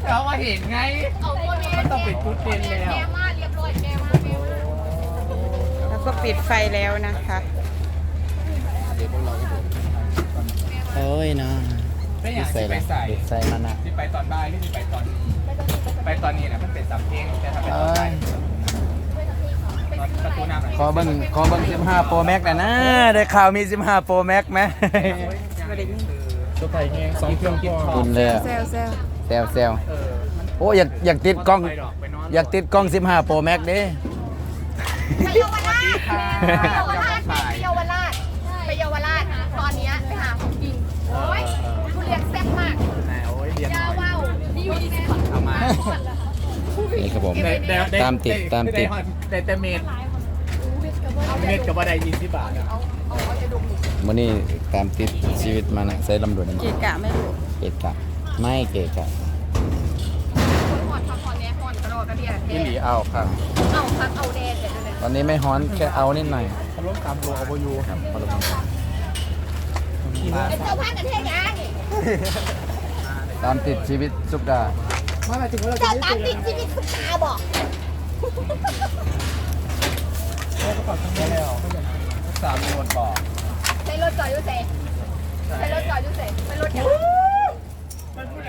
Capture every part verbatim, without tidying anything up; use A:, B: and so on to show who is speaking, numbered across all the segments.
A: เรามาเห็นไงมันต้องเป็นชุดเด่นแล้ว
B: แล้วก็ปิดไฟแล้วนะคะ
C: โอ้ยเนาะ
A: ไม่อยาก
C: ใส่
A: ไป
C: ละ
A: ใส่
C: ใส่มันอ่ะ
A: ที่ไปตอนบ่ายหรือที่ไปตอนนี้ไปตอนนี้นะมันเป็นสัมเพลงแต่ถ้าไปตอนบ่ายประตูน้ำ
C: ขอเบิ้งขอเบิ้งสิบห้าโปรแม็กนะนะได้ข่าวมีสิบห้าโปรแม็กไหม
A: ตัวไผ่เงี้ยสองเครื่องกินทอ
C: คุ
A: ง
C: ณเลย
B: เซลเซล
C: แซวแซว
A: เออ
C: โอ้อยากอยากติดกล้องอยากติดกล้องสิบห้าโปรแม็กเด้
D: ไปเยาวราชไปเยาวราชไปเยาวราชไปเยาวราชตอนนี้ไปหาของกินโอ้ยทุเรียนแซ่บมาก
A: ไหนโอ้ยเรียนห
D: ยา
A: น่อย
D: ว้าวนี่อยู่ที่สิบ
A: เอามา
C: นี่ครับผม
A: ได้ได้ได้
C: ตามติดตามติด
A: ได้แต่เมดเมดกับว่าได้ยี่สิบบาทอะ
C: วันนี้ตามติดชีวิตมันอะใส่ลำดวน
B: เกะกะไม่รู้
C: เกะกะไม่เกะกะ
D: หอนพักผ่อนแน่หอนกระโดดกระเดียด
A: พี่หลีเอาครับ
D: เอาพักเอาแดดเดี๋ยวเลย
C: ตอนนี้ไม่ฮ้อนแค่เอานิดหน่อย
A: เขาล้มตามตัวเอาโบยูครับ
C: พอละมั้ง
D: เป็นเจ้าพันกันเท่ยัง
C: ตามติดชีวิตสุกดา
D: เจ้าตามติดชีวิตคุณตาบอก
A: สามโลดบอก
D: ใช้รถจอดยุ่เซ่ใช้รถจอดยุ่เซ่เป็นรถยัง
A: มันผู้ใด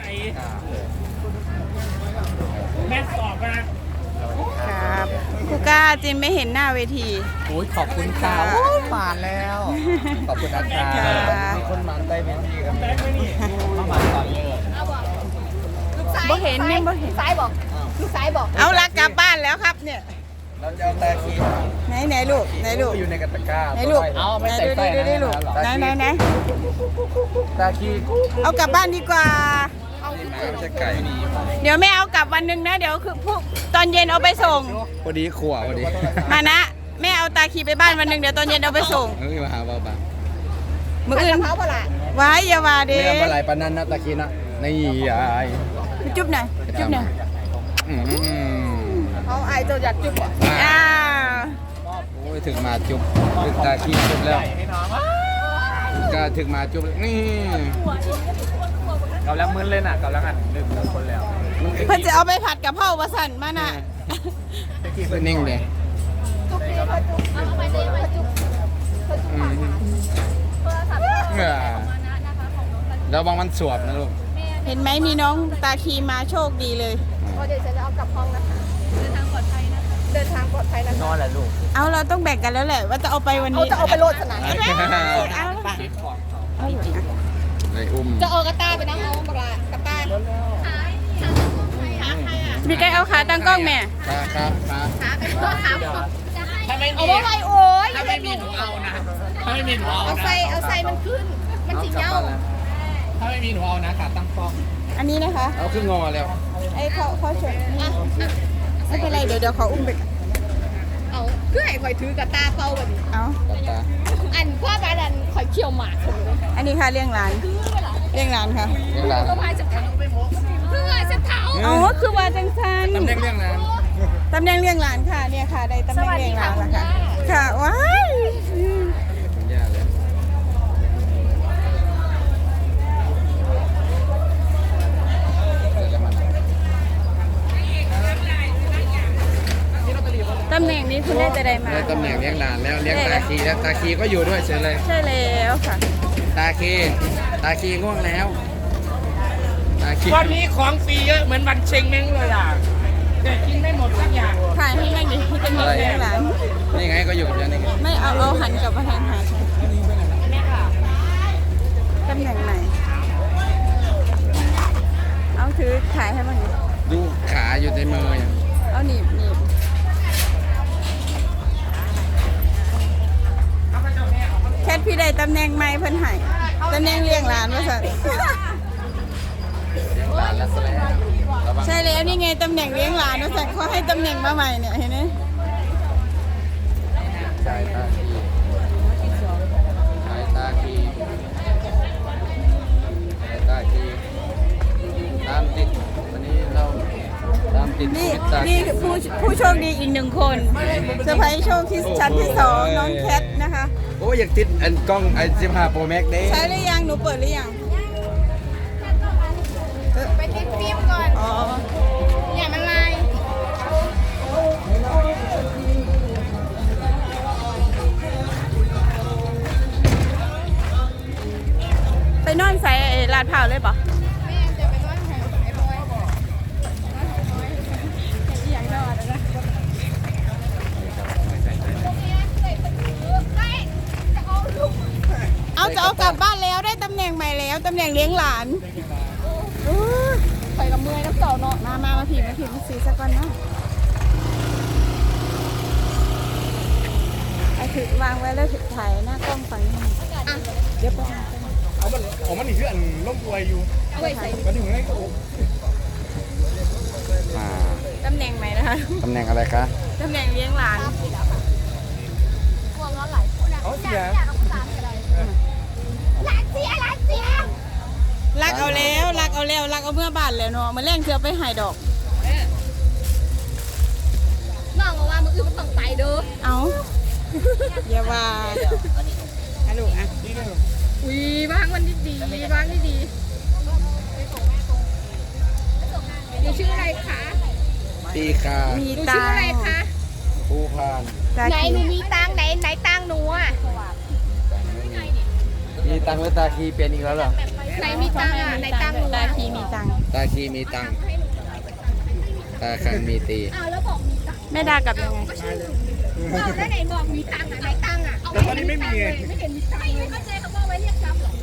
A: แม่สอบนะครับ
B: ครูก้าจินไม่เห็นหน้าเวที
A: โอ้ยขอบคุณค่ะโอ้ยผ่านแล้ว ขอบคุณนะคะ
B: ค่ะ
A: มีคนหมันได้ไหมพี่ครับเข้ามาตอนเลิก
D: เอาบอกลูกซ้าย
B: บ่เห็นเนี่ยบ่เห็น
D: ลูกซ้ายบอกลูกซ้ายบอก
B: เอาละกลับบ้านแล้วครับเนี่ย
A: เราจะเอาตาคี
B: ไหนไหนลูกไหนลูก
A: อยู่ในกระตะกร้า
B: ไหนลูก
A: เอาไม่
B: ไหน
A: ใส่
B: ดู
A: ไส้
B: ดิดูดิ
A: นะ
B: ลูกไหนไหนไหน
A: ตาคี
B: เอากลับบ้านดีกว่า
A: ไม่ใช่ไก่นี่
B: เดี๋ยวไม่เอากลับวันหนึ่งนะเดี๋ยวคือพวกตอนเย็นเอาไปส่ง
C: พอดีขวพอดี
B: มานะแม่เอาตาขีไปบ้านวันหนึ่งเดี๋ยวตอนเย็นเอาไปส่ง
C: เฮ้ยมาหาบ้าบ้า
B: มืออื่น
D: เขาเปล่า
B: ไว้อย่าว่าเด้
C: ไม่ทำอะไรปานนั้นนะตะกี้นะนี่ยาย
B: จุ๊บหน่อยจุ๊บหน่อย
C: อืม
D: เอาไอเจ้าอยากจุ๊บอ่ะ
B: อ้าว
C: โอ้ยถึงมาจุบถึงตาขี้จุบแล้วก็ถึงมาจุบนี่
A: กำลังมึนเลยน่ะกำลังอันลืมคนแล้ว
B: เพิ่นจะเอาไปผัดกับเผาประสันมานะ
C: คือนิ่งเลย
D: จุ๊บนี่เขาจุ๊บเอาไปเลยเขาจุ๊บเขาจุ๊บ
C: อืม
D: โทรศัพท์
C: เออแล้วบางมันสวบนะลูก
B: เห็นไหมมีน้องตาคีมาโชคดีเลย
D: ก็เดี๋ยวฉันจะเอากลับห้องนะคะเดินทางปลอดภัยนะคะเดินทางปลอดภัยนะคะ
A: นอนแหละลูก
B: เอาเราต้องแบ่งกันแล้วแหละว่าจะเอาไปวัน
D: เอา
B: นี้
D: จะเอาไปโหลดสนาม
B: เอาเอาเอา
C: เลยอุ้ม
D: จะเอากระต้าไปนั่งเอาปลากระต้า
B: มีใครเอาขาตั้งกล้องแม่
C: ขาขาขา
D: ขาไปเพื่อขา
A: ถ้าไม่มี
D: เอาว่าไงโอ้ย
A: ถ้าไม่มีหนูเอานะถ้าไม่มีหนูเอา
D: เอา
A: นะ
D: ใส่เอาใส่มันขึ้น มันสิเงา
A: ถ้าไม่มีหนูเอานะขาตั้งกล้อง
B: อันนี้นะคะ
C: เอาขึ้นงอแล้ว
B: ไอ้เขาเขาชนไม่เป็นไรเดี๋ยวเดี๋ยวเขาอุ้มไปก่อน
D: เอาเพื่อให้คอยถือกระต้าเป้าแบบนี้
B: เอา
C: ตัดตา
D: อันพ่อบ้านอันคอยเคี่ยวหมากคนเลย
B: อันนี้ค่ะเลี้ยงหลานเลี้ยงหลานค่ะ
C: เรื่องราว
D: เพื่อพายจะเท้าเพื่อจะเท้า
B: อ๋อคือว่าจังซัน
C: ตำแหน่งเรื่องนั้น
B: ตำแหน่งเลี้ยงหลานค่ะเนี่ยค่ะได้ตำแหน่งเลี้ยงหลานแล้วค่ะค่ะว้ายอืม
C: คุณย่าเลยเดี๋ยวมัน
B: ตำแหน่งนี้คุณได้จะได้มา
C: ได้ตำแหน่งเลี้ยงหลานแล้วเลี้ยงตาคีแล้วตาคีก็อยู่ด้วยเฉยเลย
B: ใช่แล้วค่ะ
C: ตาคีตาคีง่วงแล้วตาคี
A: วันนี้ของฟรีเยอะเหมือนวันเชงเม้งเลยอ่ะแต่กินไม่หมดสักอย่าง
B: ถ่ายให้แม่ดิที่จะมีเลี้ยงหลาน
C: นี่ไงก็อยู่กับยันนี่ไง
B: ไม่เอาเอาหันกลับมาทางหาฉันตำแหน่งไหนเอาถือถ่ายให้มันดิ
C: ดูขาอยู่ในมืออย่าง
B: เอาหนีบหนีบแคทพี่ได้ตำแหน่งใหม่เพิ่นให้ตำแหน่งเลี้ยงหลานว่าสัน
C: เลี้ยงหลานแล้วซะแล้วระวัง
B: ใช่แล้วนี่ไงตำแหน่งเลี้ยงหลานว่าสันเขาให้ตำแหน่งมาใหม่เนี่ยเห็นไหม
C: สายตาคีสายตาคีสายตาคีตามติดวันนี้เราตามติด
B: นี่
C: ชีวิตตาคี
B: นี่ผู้ผู้โชคดีอีกหนึ่งคนเซอร์ไพรส์โชคที่ชั้นที่สองน้องแคทนะคะ
C: โอ้ยอยากติดอันกล้องไอสิบห้าโปรแม็กเด้
B: ใช้หรือยังหนูเปิดหรือยัง
D: ไปติดฟิล์มก่อน
B: อ๋อใส่ไอ้ลาดพร้าวเลยปะ
D: แม่จะไปร้อยหงไอ้บอยบอกอย่างดอดนะจะเอาลูก
B: เอาจะเอากลับบ้านแล้วได้ตำแหน่งใหม่แล้วตำแหน่งเลี้ยงหลานอู้
D: ไปกับเมื่อยน้ำเต่าเนาะ
B: มามามาผีมาผีมาสีสักวันเนาะไอ้ถือวางไว้แล้วถือถ่ายหน้ากล้องฝั่งนี้เดี๋ยวไปหา
A: เอามันเอามันอีกคืออันล่มอวยอยู่
D: เอาไว้ใส่
A: มันถึงไงโอ้
C: อ่า
B: ตำแหน่งใหม่นะคะ
C: ตำแหน่งอะไรคะ
B: ตำแหน่งเลี้ยงหลาน
D: พวงร้อนไหล
A: เอาเสีย
D: อยากเอาภาษาอะไรหลานเสียหลานเสีย
B: รักเอาแล้วรักเอาแล้วรักเอาเมื่อบ้านแล้วเนาะมาแรงเชือไปหายดอก
D: น้องบอกว่ามึงคือมันต้องไปเด้อ
B: เอาอย่าว่าอะลูกอ่ะ
D: อุ้ยบ้างวันดีดีบ้างดีดีหนูชื่ออะไรคะ
C: ตีคา
B: มี
D: หนู
B: ตั
D: ชื่อง อะไรคะ
C: ภูพาน
B: ตา
D: ไหน
B: คี
D: หนูมีตังค์ไหนไหนตังค์หนูอ่ะ
C: มีตังค์หรือตาคีเป็นอีกแล้วเหรอ
D: ไหนมีตังค์อ่ะไหนตังค์หนู
B: ตาคีมีตังค์
C: ตาคีมีตังค์ตาคันมีตี
D: อ้าวแล้วบอกมีตังค์
B: แม่ดากลับยังไง
D: บอกแล้วไหนบอกมีตังค์อ่ะไหนตังค์อ่ะ
A: แต่ตอนนี้ไม่มีไง
D: ไม่เห็นมีตังค์เลยเข้าใจคำว่าไว้เรียกทรัพย์เหรอ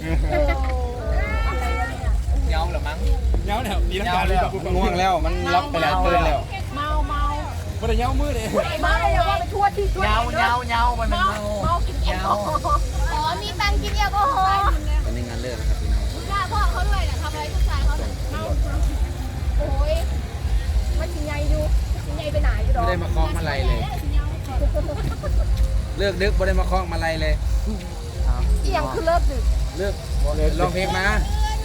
A: เงาเหรอมั้งเงาเนี่ยดีนะการเลย
C: มันง่วงแล้วมันล็อกไปแล้วตื่นแล้ว
D: เมาเมา
A: มันจะเงามืดเลย
D: เมาอย่าว่าไปทั่วที่ทั่ว
A: เงาเงาเงามันเป็นเงา
D: เมากินแอลกอฮอล์อ๋อมีตังค์กินแอลกอฮอล์
C: ตอนนี้งานเลิกนะครับพี่น้อง
D: กล้าพ่อเขาด้วยน่ะทำอะไรลูกชายเขาน่ะเมาโอ้ยมันกินใหญ่อยู่กินใหญ่ไปไหนอยู่ดอก
C: ไม่ได้มาคล้องมาลัยเลย เลิกดึกไม่ได้มาคล้องมาลัยเลย
D: เอียงคือเลิกดึก
C: เลิกลองเพลงมา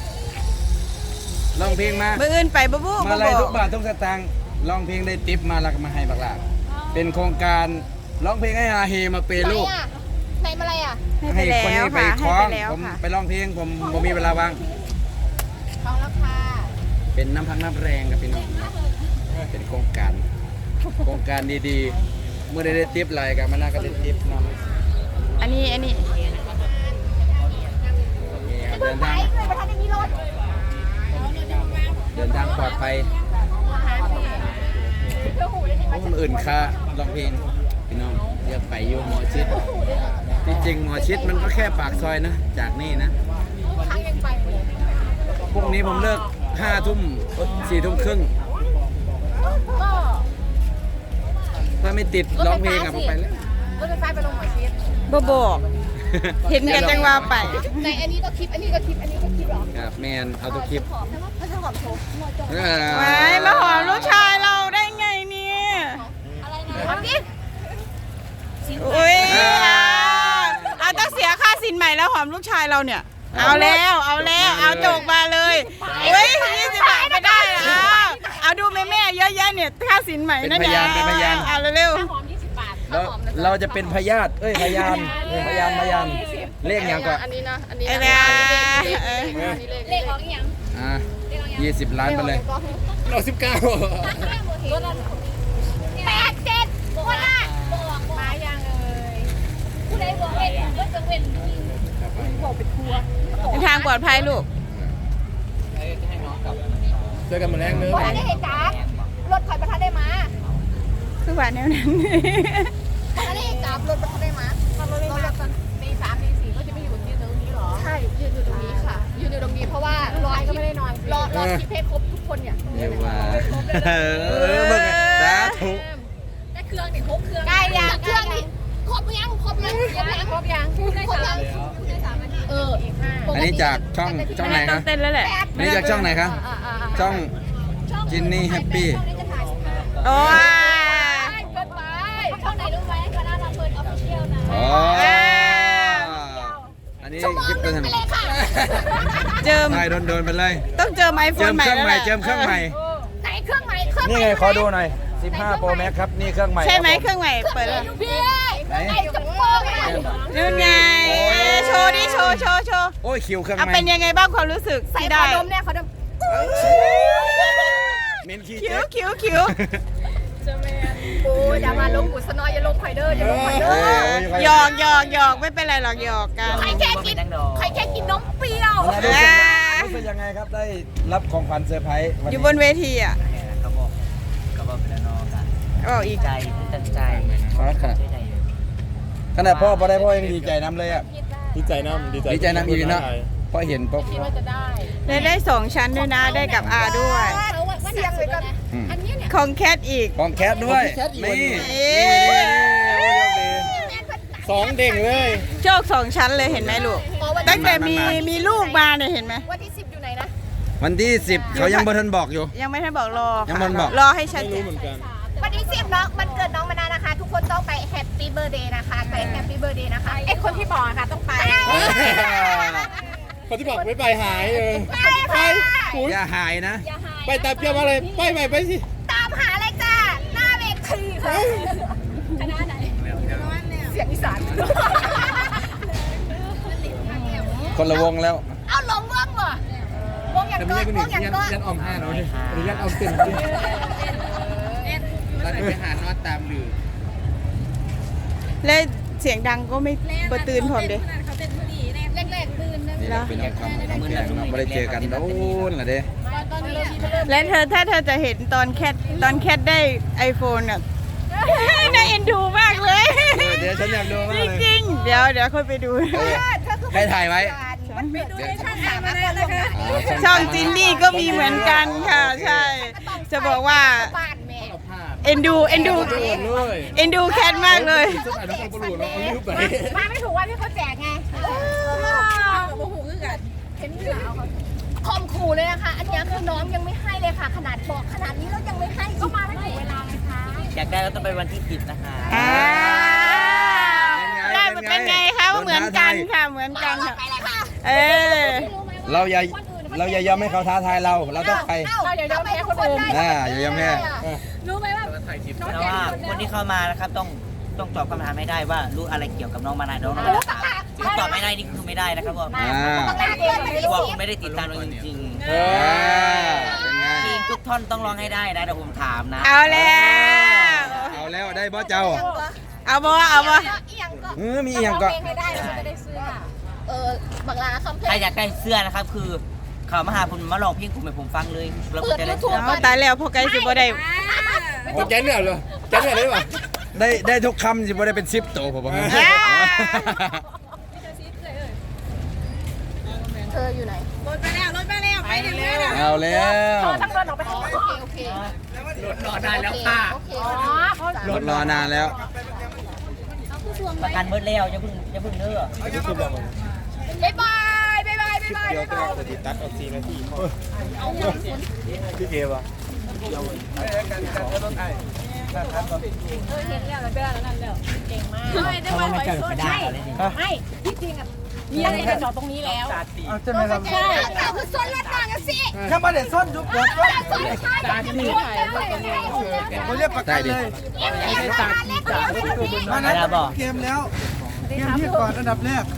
C: ลองเพลงมา
B: มืออื่นไปบ๊บู
C: มา
B: บ๊
C: ลัย
B: บ
C: ทุกบาททุกสตางค์ลองเพลงได้ติปมาแล้วก็มาให้บักหลาเป็นโครงการร้องเพลงให้ฮาเฮมาเปย์ลูก
D: ไหนอ่ะไหนมาอะไรอ่ะ
B: ให้ไป
C: ให้คน
B: แล้ว
C: นี้ไป
B: ค่ะ
C: คล้
B: ให้
C: อง
B: ไปแล้ว
C: ผม
B: ค่ะ
C: ไปร้องเพลงผมผมมีเวลาว่าง
D: ท้องแล้วค่ะ
C: เป็นน้ำพักน้ำแรงกับพี่น้องเนาะเป็นโครงการโครงการดีๆเมื่อได้ได้ติปอะไรกันมันน่าก็ได้ติปนำ
B: อันนี้อันนี้
C: เดิน
D: ไป
C: ทาง
D: เลยประธานในนี้รถ
C: เดินทางปลอดภัย
D: เพื่อหูได้ไหม
C: คนอื่นค่าร้องเพลงพี่น้องเรียกไปอยู่หมอชิดที่จริงหมอชิดมันก็แค่ปากซอยนะจากนี่นะ
D: ค้างยังไปเลย
C: พรุ่งนี้ผมเลิกห้าทุ่มสี่ทุ่มครึ่ง
D: ก็
C: ถ้าไม่ติดร้องเพลงอะผมไปแล้ว
D: รถไฟฟ้าไปลงหมอชิด
B: บ๊บอกเห็นกันจังว่าไป
D: ในอันนี้ก็คลิป อันนี้ก็คลิป อันนี้ก็คลิปเหรอ
C: ครับแมนเอาทุกคลิป
D: หอมนะไม่ใช่หอมโชว์
C: เออ
B: ไว้มาหอมลูกชายเราได้ไงเนี่ย
D: อะไรนะหอมดิ
B: อุ้ยอ่ะเอาต้องเสียค่าสินใหม่แล้วหอมลูกชายเราเนี่ย เอาแล้วเอาแล้วเอาโจกมาเลยเฮ้ยยี่สิบบาทไม่ได้นะเอาเอาดูแม่แม่ๆเยอะแยะเนี่ยค่าสินใหม่นั่นเนี่ยเอาเร็ว
D: หอมยี่สิบบาท
C: เราเราจะเป็นพยาธิเอ้ยพยานเป็นพยานพยานเลขอย่างก็
D: อันนี้นะ อันนี้
B: ๆไอ้
D: นะ
B: เนี่ย
D: เลขของยัง
C: อ่ะยี่สิบล้านไปเลย
A: เราสิบเก้า
D: แปดเจ็ดคนละบอกมายังเอ่ยผู้ใดบอกเว้นก็จะเว้นบอกเป็นทัวร์
B: เป็นทางปลอดภัยลูก
A: เจอกันมาแรงเนื้อ
D: บอกได้เหตุการณ์รถคอยประทัดได้มา
B: คือว่าแนวนั้น
D: บอกได้เหตุการณ์รถประทัดได้มารถรถตีสามตีสี่ก็จะไม่อยู่ที่ตรงนี้หรอ ใช่ ยืนอยู่ตรงนี้ค่ะ ยืนอยู่ตรงนี้เพราะว่ารอก็ไม่ได้นอนรอรอคิดเพชรครบทุกคนเนี่ย
C: เรียกว่าเออเบิ่งสาธุ
D: ได้เครื่องนี่ครบเครื่องได้ยังเครื่องนี่ครบยังครบยังยังครบยังครบยังเอออีกห้า
C: อันนี้จากช่องช่องไหน
B: ต้
C: ค
B: อ
C: รั
B: ง
C: บ
B: เต้นแล้วแหละ
C: อันนี้จากช่องไหนครับช่องจินนี่แฮปปี้
B: โอ้ย
D: เกินไปช่องไหนรู้ไหมคณะลำเพลินออฟฟิเชียลนะ
C: อ๋ออันนี้
D: ชั่วโมง
C: คลิป
D: ห
C: ตั
D: นึ
C: ว
D: ง
C: ทำ
D: ไปเลยค่ะ
B: เจิม
C: ได้โดนๆไปเลย
B: ต้องเจิมไอโฟ
C: เจิ
B: น
C: ม
B: ใหม่
C: เครื่อง
B: แล้ว
C: ใหม่
B: แหละ
C: เจิมเครื่องใหม่
D: ไหนเครื่องใหม่เครื่อง
C: นี่ไงขอดูหน่อยสิบห้า Pro Max ครับนี่เครื่องใหม่
B: ใช่ไหม
C: ครับผ
B: เครื่องใหม่เปิดแล้ว
D: พี่ไอ้จะโป้งเลย
B: นู่นไงโชว์ดิโชว์โชว์โชว์
C: โอ้ยคิวเครื่อง
B: เอา
C: ใหม่
B: เป็นยังไงบ้างความรู้สึก
D: ใส่
B: ที่
D: ข
B: ได้
D: อดมเนี่ยขอดม
C: เมนคี
B: คิ้
C: เจ๊
B: วคิ้วคิ้ว
D: โอ้ยอย่ามาลงกุศนอยอย่าลงไฟเดอร์อย่าลงไฟเดอร์
B: หยอกหยอกหยอกไม่เป็นไรหรอกหยอกกัน
D: ใครแค่กินใครแค่กินนมเปรี้ยว
C: รู้สึกรู้สึกยังไงครับได้รับของขวัญเซอร์ไพรส์วัน
B: อยู่
C: นี้
B: บนเวทีอ่ะ
A: ก็บอกก็บอกเป็นน้องกัน
B: ก็บอกอีก
A: ใจตั้งใจ
C: ขนาดขนาดพ่อพอได้พ่อยังดีใจน้ำเลยอ่ะ
E: ดีใจน้ำดีใจ
C: ดีใจน้ำอีกเนาะพอเห็นปุ๊บ
D: คิดว่าจะได้
B: ได้ได้สองชั้นด้วยนะได้กับอาด้วย
D: เสียงเลยกันอันนี้เนี่ย
B: ของแคทอีก
C: ของแคทด้วยนี่
B: เอ๊ะ
E: สองเด้งเลย
B: โชคสองชั้นเลยเห็นไหมลูกตั้งแต่มีมีลูกมาเนี่ยเห็นไหม
D: วันที่สิบอยู่ไหนนะ
C: วันที่สิบเขายังบ่ทันบอกอยู่
B: ยังไม่ทันบอกรอ
C: ยังไม่ทันบอก
B: รอให้ชัด
E: ไม่
B: เจ
E: รู้
B: น
E: เหมือนกัน
D: วันที่สิบน้องมันเกิดน้องมานานะคะ ทุกคนต้องไปแฮปปี้เบ t ร์ a เดย์นะคะไปแฮปปี้เบ t ร์ a เดย์นะคะไอ้คนที่บอกค่ะต้องไป
E: คนที่บอกไม่ไปหายเออ
D: ไปค่ะ
E: คุณ
C: อย่าหายนะ
D: อย่าหาย
E: ไปตามเพียบมาเลยไปไปไปสิ
D: ตามหาอะไรจ้าหน้าเวทีค่ะคณะไหนเสียงอีสาน
C: คนละวงแล้ว
D: เอาลงวงเหรอวงอย่างก้อนวงอย่างก้อน
E: ยันออมห้าเนาะดิยันออมเต็ม
C: ตอนนี้ไปหานอดตามหรือ
B: และเสียงดังก็ไม่เปิดตื่นผมเด้
D: แรกๆตื่นนะ
C: นี่เราเป็นน้องคำน้องแขกเนาะไม่ได้เจอกันโดนละเด้
D: ตอนนี้เริ่ม
B: และเธอถ้าเธอจะเห็นตอนแคทตอนแคทได้ไอโฟนอ่ะ น่าเอ็นดูมากเลย
C: เออเดี๋ยวฉันอยากดูมาก
B: จ
C: เลย
B: ริงๆเดี๋ยวเดี๋ยวค่อยไปดู
C: เออใครถ่ายไว้
D: มันไปดูในช่องสามมาแล้วนะคะ
B: ช่องจินนี่ก็มีเหมือนกันค่ะ ใช่ จะบอกว่า
D: บ้านแม่
B: เอ็นดูเอ็นดู
E: เลย
B: เอ็นดูแคทมากเลย
E: สมัยน้องคนปลุกเราเอาลิ้วไป
D: มาไม่ถูกว่าที่เขาแจกไงโอ้โหคือกันเห็นเหรอคมขู่เลยนะคะ อันนี้คือน้องยังไม่ให้เลยค่ะ ขนาดบอกขนาดนี้แล้วยังไม่ให้ก็มาไม่ถึงเวลาไงคะ
A: อยากได้ก็ต้องไปวันที่สิบนะคะ
B: อ้าวได้เป็นไงคะว่าเหมือนกันค่ะเหมือนกันค่ะ
D: ไปเลยค่ะ
B: เออ
C: เราอย่าเราอย่ายอมให้เขาท้าทายเรา เราต้องไป
D: เราอย่ายอมแพ้คนอื่น
C: อ่าอย่ายอมแพ้
D: รู้ไหมว่า
A: แต่ว่าคนที่เข้ามานะครับต้องต้องตอบคำถามให้ได้ว่ารู้อะไรเกี่ยวกับน้องมานาน้องน้องมานาถ้าตอบไม่ได้นี่คือไม่ได้นะครับผม
C: อ่า
A: เพราะว่าผมไม่ได้ติดตามน้องจริง
C: เออเป็นไง
A: ๆเพลงทุกท่อนต้องร้องให้ได้นะเดี๋ยวผมถามนะ
B: เอาแล้ว
C: เอาแล้วได้บอสเจ้า
B: เอาบ่เอาบ่
D: เอียงก็
C: เออมีอีกอย่างก็
D: ให้ได้เราจะได้เสื้อเออบังลาคำเพล
A: ใครง อยากได้เสื้อนะครับคือเขามาหาผมมาลองเพลงผมให้ผมฟังเลยแล้วผมจะได้เสื้อ
B: เอาตายแล้วพอไกลสิบ่ได้
E: โอ้แกนเนี่ยเหรอแกนเนี่ยได้ป่ะ
C: ได้ได้ทุกคำสิบ่ได้เป็นซิปโตผมบอกให้
D: เธออยู่ไหน
C: เอาแล้ว
D: ทั้งเดินออกไปโอเคโอเค
A: รอได้แล้วค่ะ
D: โอเคอ๋อ
C: รถรอนานแล้ว
A: ประกันเบิดแล้วอย่าเพิ่งอย่าเพิ่งเด้อ
D: บ๊ายบายบ๊ายบายบ๊ายบาย
E: เดี๋ยวจะเอาติดตัดเอาสี่นาทีพี่เกวะ
D: ไม่ได้มาหอยโซ่ใช่ไม่ที่จริงอ่ะมีอะไรจะจอดตรงนี้แล้ว
C: ใช่ไหมครับ
D: ใช่เราคือส้นรถมากันสิ
C: ถ้ามาเด็ดส้นยุบเด็ดส้น
D: ส้นใช่ตาที่นี่
C: เขาเรียกประกันเลย
A: มานะบอก
C: เกมแล้วเกมที่ก่อนอันดับแรก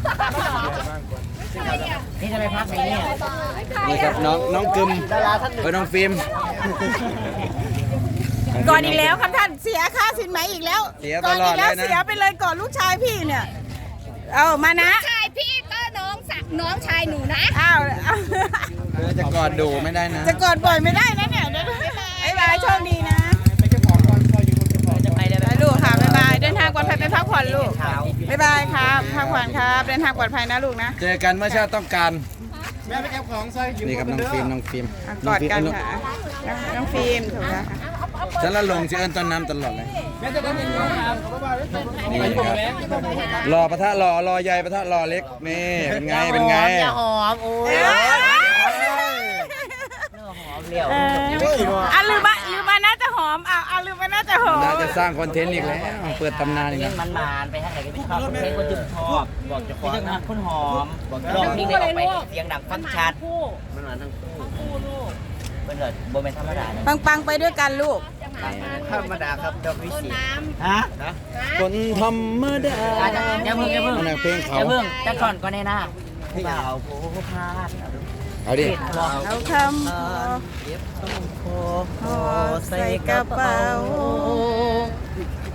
A: นี่จะไปพักไหนเนี่ย
C: นี่ครับน้องน้องกึมเออน้องฟิล์ม
B: ก่อนอีกแล้วครับท่านเสียค่าสินไหมอีกแล้ว
C: เสียต
B: ก่อน
C: ลอ
B: อี
C: ด
B: ก
C: เล
B: แล้ว
C: ยนะ
B: เสียไปเลยก่อนลูกชายพี่เนี่ย เอามานะ
D: ชายพี่ก็น้องสักน้องชายหนูนะ
B: อ้าวเอา
C: เธอจะกอดดูไม่ได้นะ
B: จะกอดบ่อยไม่ได้นะเนี่ยเดี๋ยวบ๊ายบายโชคดีนะ
A: จะไปได้ไหม
B: ไปลูกค่ะบ๊ายบายเดินทางปลอดภัยไปพักผ่อนลูก
A: เช้า
B: บ๊ายบายครับพักผ่อนครับเดินทางปลอดภัยนะลูกนะ
C: เจอกันเมื่อชาติต้องการ
E: แม่ไปเก็บของใส่
C: นี่ครับน้องฟิล์มน้องฟิล์ม
B: อ่ะกอดกันค่ะน้องน้องฟิล์มถูกแล้วค่ะ
C: ฉันละลงชื่อเอิญต้นน้ำตลอดเลย
E: แม่จะได้เป็นน้องครับ
C: นี่ครับรอปะทะรอรอใหญ่ปะทะรอเล็กนี่เป็นไงเป็นไง
A: อย่าหอมโอ้ย
B: เอ้ย
A: เนื้อหอมเลี้ยว
B: เอออ่ะลืมมาลืมมาน่าจะหอมอ่ะอ่ะลืมมาน่าจะหอม
C: น่าจะสร้างคอนเทนต์อีกแล้วเปิดตำนานอีก
A: เพล
C: แล้
A: ง
C: ว
A: มันมานไปทางไหนก็ไม่ชอบเพลงคนจึงชอบบอกจะขอนะคนหอมลองเพลงได้ออกไปเสียงดังฟังชัดมันมาทั้งคู่เป็นแบบโบเมนธรรมดาเนี่ย
B: ปังปังๆไปด้วยกันลูก
A: ธรรมดาครับดอกวิสีฮะ
C: คนธรรมดา
A: อย่าเพิ่งอย่าเพิ่ง
C: มันเพลงเขา
A: อย่าเพิ่งจะก่อนก่อนในหน้าเปล่าโผล่พลาด
C: เอาดิ
B: เอาคำ
A: เก็บต้นโพ
B: ห่อใส่กระเป๋า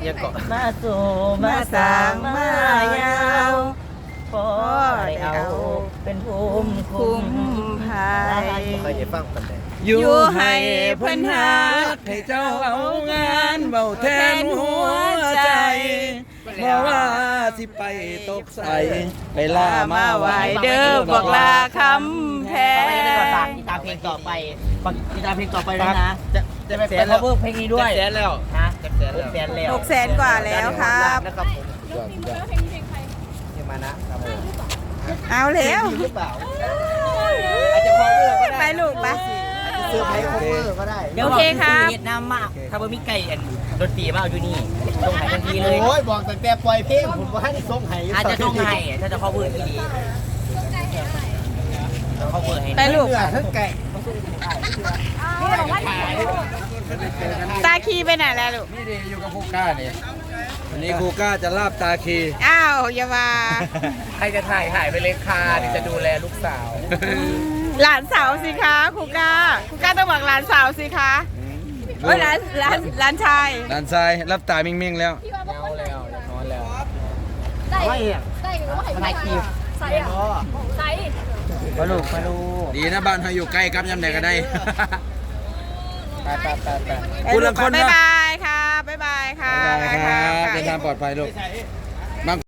C: ยังเกาะ
A: มาสู่มาสร้างมายาวพอได้เอาเป็นภูมิคุ้
B: คุ้
A: ม
B: มภัย
E: เคยเห็นฟังกันแต่
B: อยู่ให้เพิ่นหา
C: ให้เจ้าเอางานเบาแทนหัวใจเพราะว่าสิไปตกใส่ไปล่ามา
B: มาไหว
C: ไว้
B: เด้อบอกลาคำแพ
A: ไปได้ก่อนฝาก
B: ง
A: ติดตามเพลงต่อไปฝากติดตามเพลงต่อไปด้วยนะ
C: จะจะไป
A: แสน cover เพลงนี้ด้วย
C: แสนแล้ว
A: ฮะ
C: จะแสนแล้ว
A: แสนแล้ว
B: หกแสนกว่าแล้วครับ
A: นะครับผม
C: ยอดยอด
A: เยมานะครับผม
B: เอาแล้ว
A: หรือเปล่าอาจจะ cover ก็ได้
B: ไปลูกไป
A: เซอร์ไพรส์ cover ก็ได้
B: โอเคครับ
A: เวียดนามมากถ้าบ่มีไก่อันดนตรีมาเอาอยู่นี่ส่งให้ทันทีเลย
E: โอ้ยบอกตั้งแต่ปล่อยเพลงผมว่าให้ส่งให้
A: อาจจะส่งให้ถ้าจะ cover ที่ดีจะ cover ให้
B: ไปลูก
E: เนื้อทั้งไก่
B: ตาคีไปไหนแล้วลูก
C: นี่ดีอยู่กับครูก้านี่วันนี้ครูก้าจะลาบตาคี
B: อ้าวอย่ามา
E: ใครจะถ่ายถ่ายไปเลยค่ะที่จะดูแลลูกสาว
B: หลานสาวสิคะครูก้าครูก้าต้องบอกหลานสาวสิคะเอ้ยหลานหลานหลานชาย
C: ด้านซ้ายรับตามิ่งๆแล้ว
E: เอาแล้วอยากนอนแล้ว
D: ได้
A: ไม่อะ
D: ได้หรือว่า
A: ทนายคีบ
D: ใส่อะใส่
A: มาลูกมาลูก
C: ดีนะบ้านเขาอยู่ใกล้กับยำไหนก็ได้
E: ไปไปไปไป
C: คุณละคน
B: บ๊าย
C: เนาะ
B: บายค่ะบ๊ายบายค่ะ
C: บ๊ายบายครับเดินทางปลอดภัยลูก